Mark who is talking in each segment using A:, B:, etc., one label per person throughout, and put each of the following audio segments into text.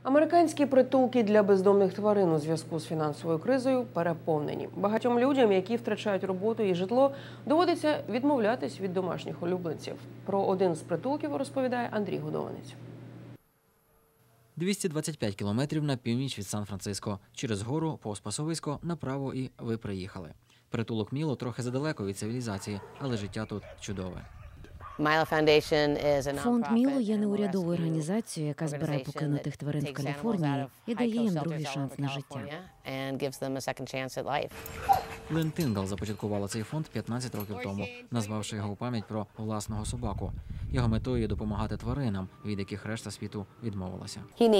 A: Американські притулки для бездомних тварин у зв'язку з фінансовою кризою переповнені. Багатьом людям, які втрачають роботу і житло, доводиться відмовлятись від домашніх улюбленців. Про один з притулків розповідає Андрій Годованець.
B: 225 кілометрів на північ від Сан-Франциско. Через гору, повз пасовисько, направо і ви приїхали. Притулок Міло трохи задалеко від цивілізації, але життя тут чудове.
C: Фонд Міло є неурядовою організацією, яка збирає покинутих тварин в Каліфорнії і дає їм другий шанс на життя.
B: Лен Тиндал започаткувала цей фонд 15 років тому, назвавши його у пам'ять про власного собаку. Його метою є допомагати тваринам, від яких решта світу відмовилася.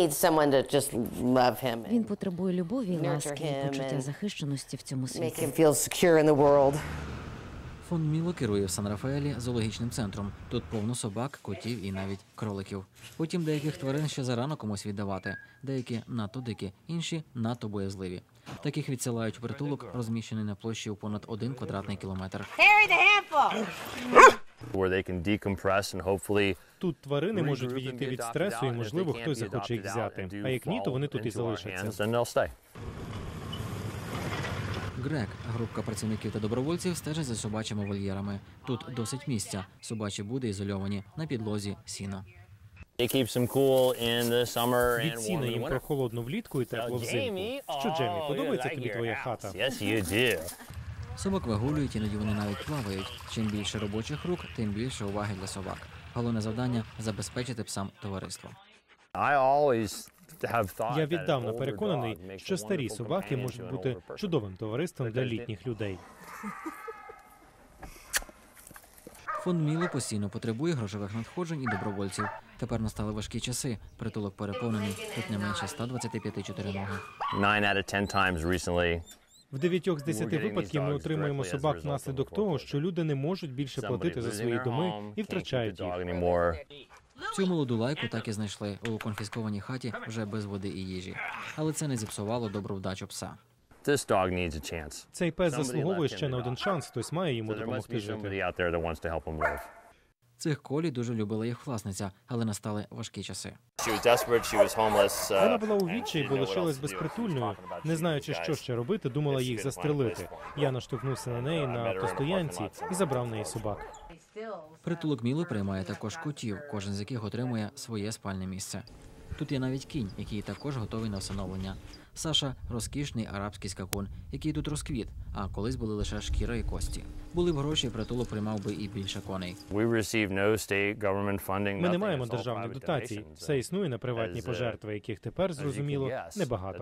C: Він потребує любові, ласки і почуття захищеності в цьому світі.
B: Фонд Міло керує в Сан-Рафаелі зоологічним центром. Тут повно собак, котів і навіть кроликів. Утім, деяких тварин ще зарано комусь віддавати. Деякі надто дикі, інші надто боязливі. Таких відсилають у притулок, розміщений на площі у понад 1 квадратний кілометр.
D: Тут тварини можуть відійти від стресу і, можливо, хтось захоче їх взяти. А як ні, то вони тут і залишаться.
B: Грег, групка працівників та добровольців, стежить за собачими вольєрами. Тут досить місця. Собачі буди ізольовані, на підлозі сіно.
D: Від сіна їм прохолодно влітку і тепло взимку. Що, Джемі, подобається тобі твоя хата?
B: Собак вигулюють, іноді вони навіть плавають. Чим більше робочих рук, тим більше уваги для собак. Головне завдання – забезпечити псам товариство.
D: Я віддавна переконаний, що старі собаки можуть бути чудовим товариством для літніх людей.
B: Фонд Міло постійно потребує грошових надходжень і добровольців. Тепер настали важкі часи. Притулок переповнений, тут не менше 125 чотириногих.
D: В 9 з 10 випадків ми отримуємо собак внаслідок того, що люди не можуть більше платити за свої доми і втрачають їх.
B: Цю молоду лайку так і знайшли у конфіскованій хаті вже без води і їжі. Але це не зіпсувало добру вдачу пса.
D: Цей пес заслуговує ще на один шанс, хтось має йому допомогти жити.
B: Цих Колі дуже любила їх власниця, але настали важкі часи.
D: Вона була у відчаї, бо лишилась безпритульною. Не знаючи, що ще робити, думала їх застрелити. Я наштовхнувся на неї на автостоянці і забрав в неї собак.
B: Притулок Міло приймає також котів, кожен з яких отримує своє спальне місце. Тут є навіть кінь, який також готовий на всиновлення. Саша – розкішний арабський скакун, який тут розквіт, а колись були лише шкіра і кості. Були б гроші, притулок приймав би і більше коней.
D: Ми не маємо державних дотацій. Все існує на приватні пожертви, яких тепер, зрозуміло, небагато.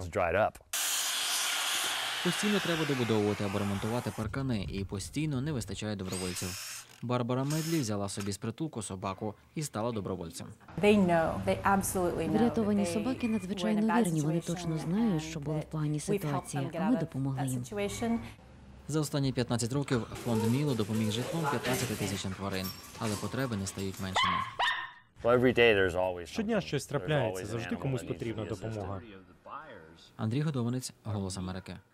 B: Постійно треба добудовувати або ремонтувати паркани, і постійно не вистачає добровольців. Барбара Медлі взяла собі з притулку собаку і стала добровольцем.
C: Врятовані собаки надзвичайно вірні. Вони точно знають, що були в поганій ситуації, а ми допомогли їм.
B: За останні 15 років фонд Міло допоміг житлом 15 тисячам тварин, але потреби не стають меншими.
D: Щодня щось трапляється, завжди комусь потрібна допомога.
B: Андрій Годованець, «Голос Америки».